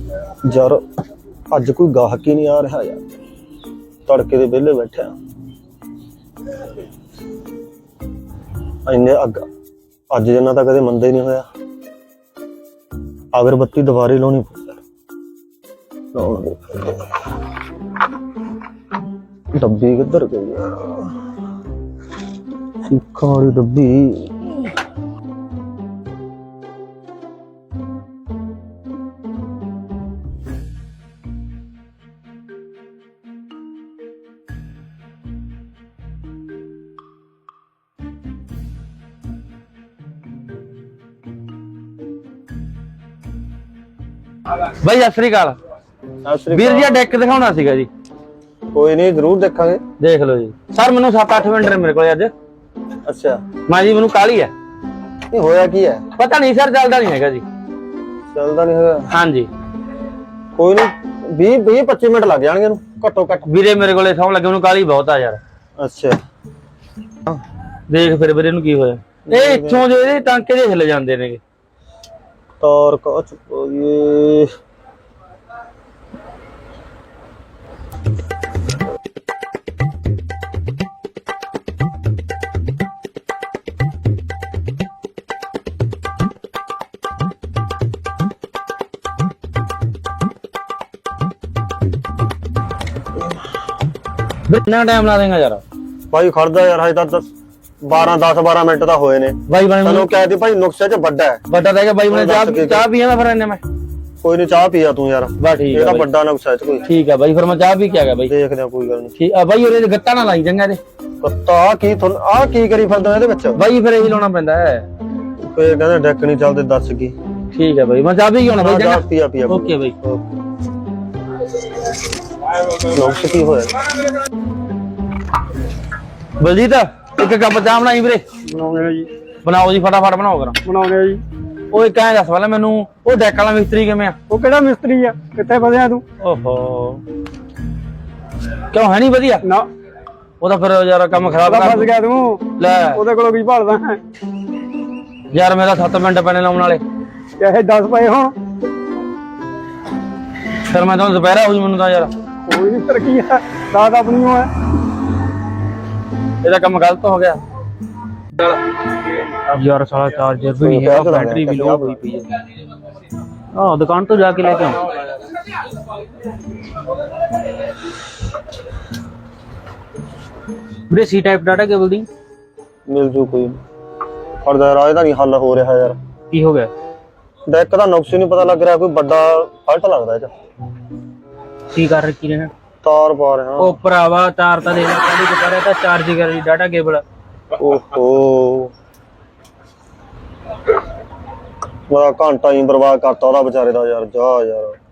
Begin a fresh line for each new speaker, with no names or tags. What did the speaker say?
यार अज कोई गाहक ही नहीं आ रहा यार, तड़के दे वेले बैठे इन्ने अज जिन्ना तो कदे मंदा ही नहीं होया। अगरबत्ती दोबारे लानी डब्बी किधर गई सीखा वाली डब्बी।
भाई सत श्री अकाल वीर जी, डेक दिखाना सीगा जी।
कोई नहीं, जरूर देखांगे।
देख लो जी सर, मैनू 7-8 मिनट ने मेरे को अज।
अच्छा
मैं जी मैनू काली है।
होया की है
पता नहीं सर, चलता नहीं है जी।
चलता नहीं है? हाँ जी। कोई नहीं, 20-25 मिनट लग जाएंगे घट्टो घट।
वीरे मेरे को सौं लगे, मैनू काली बहुत आ यार।
अच्छा
देख फिर वीरे नू की होया, ये इत्थों जो ये टांके जे हिल जांदे ने।
तार का ये
कितना टाइम ला देगा यार?
भाई खड़दा यार, हजे तक 10-12 मिनट तो होए ने।
भाई
चलो कहती भाई नुक्से च बड़ा है।
बड़ा रहेगा भाई, मैंने चाह पिया मैं फिर इन्ने में।
कोई नहीं, चाह पिया तू यार।
बस ठीक है,
ये बड़ा नुक्सा है कोई। ठीक
है भाई, फिर मैं चाह पी के आ गया भाई।
देखदे कोई गल नहीं।
ठीक है भाई, ओरे गत्ता ना लाई चंगा ते।
गत्ता आ की करी फिरदा ਇਹਦੇ ਵਿੱਚ
भाई फिर यही लाना पैंदा है।
ਫੇਰ ਕਹਿੰਦੇ ਡੈਕ ਨਹੀਂ ਚੱਲਦੇ, ਦੱਸ ਕੀ।
ठीक है भाई, मैं चाह पी के आना भाई चंगा।
पिया
ओके भाई।
नुक्स की होया
बलजीत, एक कप चाह बनाई वीरे।
ਬਣਾਉਣੇ ਜੀ।
बनाओ जी, फटाफट बनाओ करा।
ਬਣਾਉਣੇ ਜੀ।
ਉਹ ਇੱਕ ਐਂ ਦੱਸ ਪਹਿਲਾਂ ਮੈਨੂੰ, ਉਹ ਡੈਕ ਵਾਲਾ ਮਿਸਤਰੀ ਕਿਵੇਂ ਆ?
ਉਹ ਕਿਹੜਾ ਮਿਸਤਰੀ ਆ, ਕਿੱਥੇ ਫਸਿਆ ਤੂੰ?
ਓਹੋ, ਕਿਉਂ ਹੈ ਨਹੀਂ ਵਧੀਆ?
ਨਾ
ਉਹ ਤਾਂ ਫਿਰ ਯਾਰ ਕੰਮ ਖਰਾਬ ਕਰ
ਫਸ ਗਿਆ ਤੂੰ।
ਲੈ
ਉਹਦੇ ਕੋਲੋਂ ਕੀ ਭਾਲਦਾ ਹੈ
ਯਾਰ, ਮੇਰਾ 7 ਮਿੰਟ ਪੈਣੇ ਲਾਉਣ ਵਾਲੇ।
ਚਾਹੇ 10 ਪਏ ਹੋਣ।
ਫਿਰ ਮੈਂ ਤੁਹਾਨੂੰ ਦੁਪਹਿਰਾ ਹੋ ਜੂ ਮੈਨੂੰ ਤਾਂ ਯਾਰ।
ਕੋਈ ਨਹੀਂ, ਫਿਰ ਕੀ ਹੈ, ਰਾਤ ਆਪਣੀ ਹੋ ਹੈ।
ਇਹਦਾ ਕੰਮ ਗਲਤ ਹੋ ਗਿਆ यार। साला चार्जर भी नहीं है, बैटरी भी लो हुई पई है। हां, दुकान तो जाके लेके आऊं। ਵੀਰੇ ਸੀ ਟਾਈਪ ਡਾਟਾ ਕੇਬਲ ਦੀ
ਮਿਲ ਜੂ ਕੋਈ। ਪਰ ਦਾ ਰਾਜ ਦਾ ਨਹੀਂ ਹੱਲ ਹੋ ਰਿਹਾ ਯਾਰ।
ਕੀ ਹੋ ਗਿਆ?
ਡੈਕ ਦਾ ਨੁਕਸ ਹੀ ਨਹੀਂ ਪਤਾ ਲੱਗ ਰਿਹਾ, ਕੋਈ ਵੱਡਾ ਫਾਲਟ ਲੱਗਦਾ ਇਹ ਚ।
ਕੀ ਕਰ ਰੱਖੀ ਨੇ?
ਤਾਰ ਪਾ ਰਿਹਾ।
ਉਹ ਭਰਾਵਾ ਤਾਰ ਤਾਂ ਦੇ ਲੈ, ਪਹਿਲੀ ਦੁਪਹਿਰੇ ਤਾਂ ਚਾਰਜ ਕਰ ਰਹੀ ਡਾਟਾ ਕੇਬਲ।
ਓਹੋ, ਬੜਾ ਘੰਟਾ ਹੀ ਬਰਬਾਦ ਕਰਤਾ ਉਹਦਾ ਵਿਚਾਰੇ ਦਾ ਯਾਰ। ਜਾ ਯਾਰ।